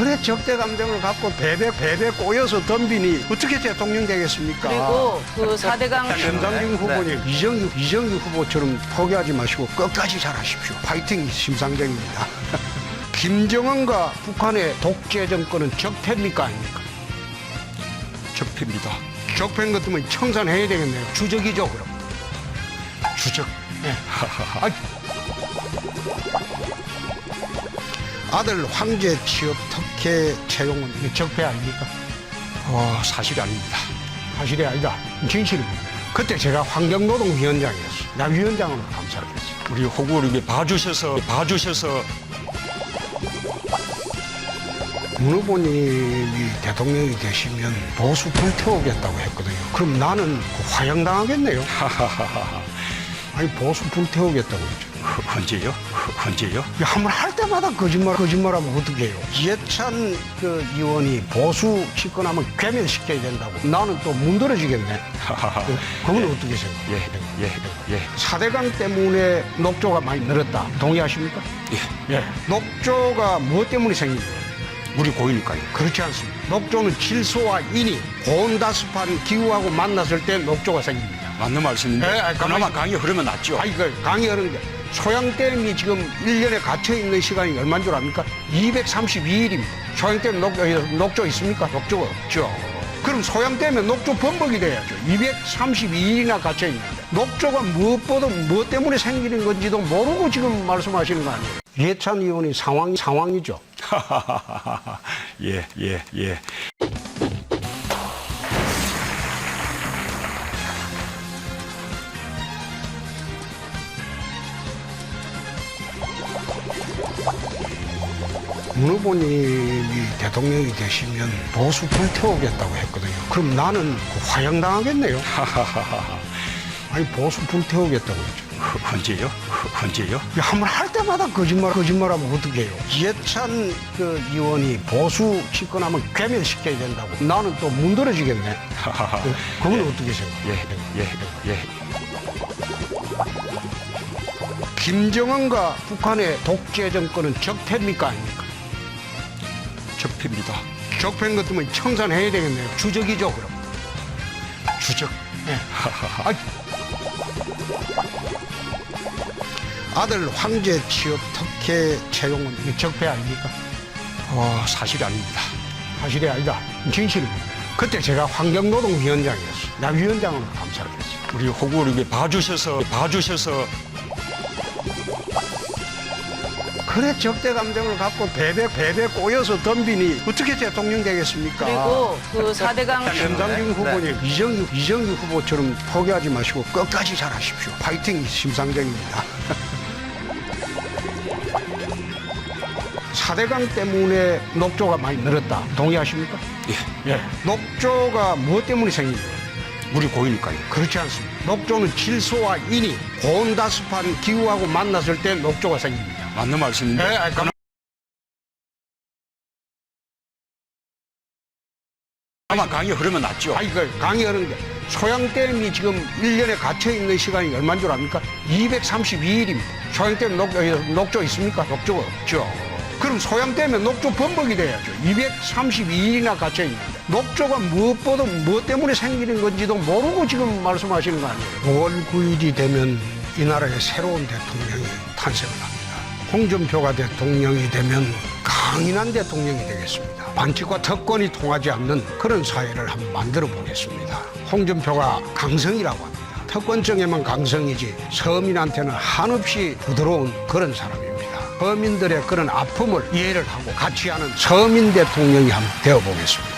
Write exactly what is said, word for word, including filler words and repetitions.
그래 적대 감정을 갖고 배배 배배 꼬여서 덤비니 어떻게 대통령 되겠습니까? 그리고 그 사대강 심상정 후보님 이정희 이정희 후보처럼 포기하지 마시고 끝까지 잘하십시오. 파이팅 심상정입니다. 김정은과 북한의 독재 정권은 적폐입니까 아닙니까? 적폐입니다. 적폐인 것 때문에 청산해야 되겠네요. 주적이죠 그럼. 주적. 네. 아, 아들 황제 취업 특혜 채용은 적폐 아닙니까? 어, 사실이 아닙니다. 사실이 아니다. 진실입니다. 그때 제가 환경노동위원장이었어요. 나 위원장으로 감사를 했어요. 우리 호구를 이렇게 봐주셔서 봐주셔서 문 후보님이 대통령이 되시면 보수 불태우겠다고 했거든요. 그럼 나는 화양당하겠네요. 아니 보수 불태우겠다고 했죠. 언제요? 언제요? 한 번 할 때마다 거짓말 거짓말하면 어떻게 해요? 이해찬 그 의원이 보수 집권하면 괴멸시켜야 된다고. 나는 또 문드러지겠네. 그건 어떻게 생각해요? 예, 예, 예. 사대강 때문에 녹조가 많이 늘었다. 동의하십니까? 예. 예. 녹조가 무엇 때문에 생긴 거예요? 물이 고이니까요. 그렇지 않습니다. 녹조는 질소와 인이 고온다습한 기후하고 만났을 때 녹조가 생깁니다. 맞는 말씀인데 예, 아니, 그나마 가만히- 강이 흐르면 낫죠. 아니, 그 강이 흐르는데 소양댐이 지금 일 년에 갇혀있는 시간이 얼마인 줄 압니까? 이백삼십이 일입니다. 소양댐 녹, 어, 녹조 있습니까? 녹조가 없죠. 그럼 소양댐에 녹조 범벅이 돼야죠. 이백삼십이 일이나 갇혀있는데 녹조가 무엇보다 무엇 때문에 생기는 건지도 모르고 지금 말씀하시는 거 아니에요? 이해찬 의원이 상황이 상황이죠. 예, 예, 예. 문 후보님이 대통령이 되시면 보수 불태우겠다고 했거든요. 그럼 나는 화양당하겠네요. 아니 보수 불태우겠다고 했죠. 언제요? 언제요? 한 번 할 때마다 거짓말 거짓말하면 어떻게 해요? 이해찬 그 의원이 보수 집권하면 괴멸시켜야 된다고. 나는 또 문드러지겠네. 그건 어떻게 생각해요? 예, 예, 예. 김정은과 북한의 독재 정권은 적폐입니까 아닙니까? 적폐입니다. 적폐인 것 때문에 청산해야 되겠네요. 주적이죠 그럼. 주적. 네. 아, 아들 황제 취업 특혜 채용은 이게 적폐 아닙니까? 어, 사실이 아닙니다. 사실이 아니다. 진실입니다. 그때 제가 환경노동위원장이었어요. 나 위원장으로 감사를 했어요. 우리 호구를 이렇게 봐주셔서 봐주셔서 그래 적대 감정을 갖고 배배 배배 꼬여서 덤비니 어떻게 대통령 되겠습니까? 그리고 그 사대강 심상정 후보님 이정희 이정희 후보처럼 포기하지 마시고 끝까지 잘하십시오. 파이팅 심상정입니다. 사대강 때문에 녹조가 많이 늘었다. 동의하십니까? 예, 예. 녹조가 무엇 때문에 생긴 거예요? 물이 고이니까요. 그렇지 않습니다. 녹조는 질소와 인이 고온다습한 기후하고 만났을 때 녹조가 생깁니다. 맞는 말씀인데 예, 아니, 그나마 강이 흐르면 낫죠. 아니, 그 강이 흐르는데 소양댐이 지금 일 년에 갇혀있는 시간이 얼마인 줄 압니까? 이백삼십이 일입니다. 소양댐 녹, 어, 녹조 있습니까? 녹조가 없죠. 그럼 소양댐에 녹조 범벅이 돼야죠. 이백삼십이 일이나 갇혀있는데 녹조가 무엇보다 무엇 때문에 생기는 건지도 모르고 지금 말씀하시는 거 아니에요? 오월 구일이 되면 이 나라의 새로운 대통령이 탄생을 합니다. 홍준표가 대통령이 되면 강인한 대통령이 되겠습니다. 반칙과 특권이 통하지 않는 그런 사회를 한번 만들어 보겠습니다. 홍준표가 강성이라고 합니다. 특권층에만 강성이지 서민한테는 한없이 부드러운 그런 사람입니다. 서민들의 그런 아픔을 이해를 하고 같이 하는 서민 대통령이 한번 되어보겠습니다.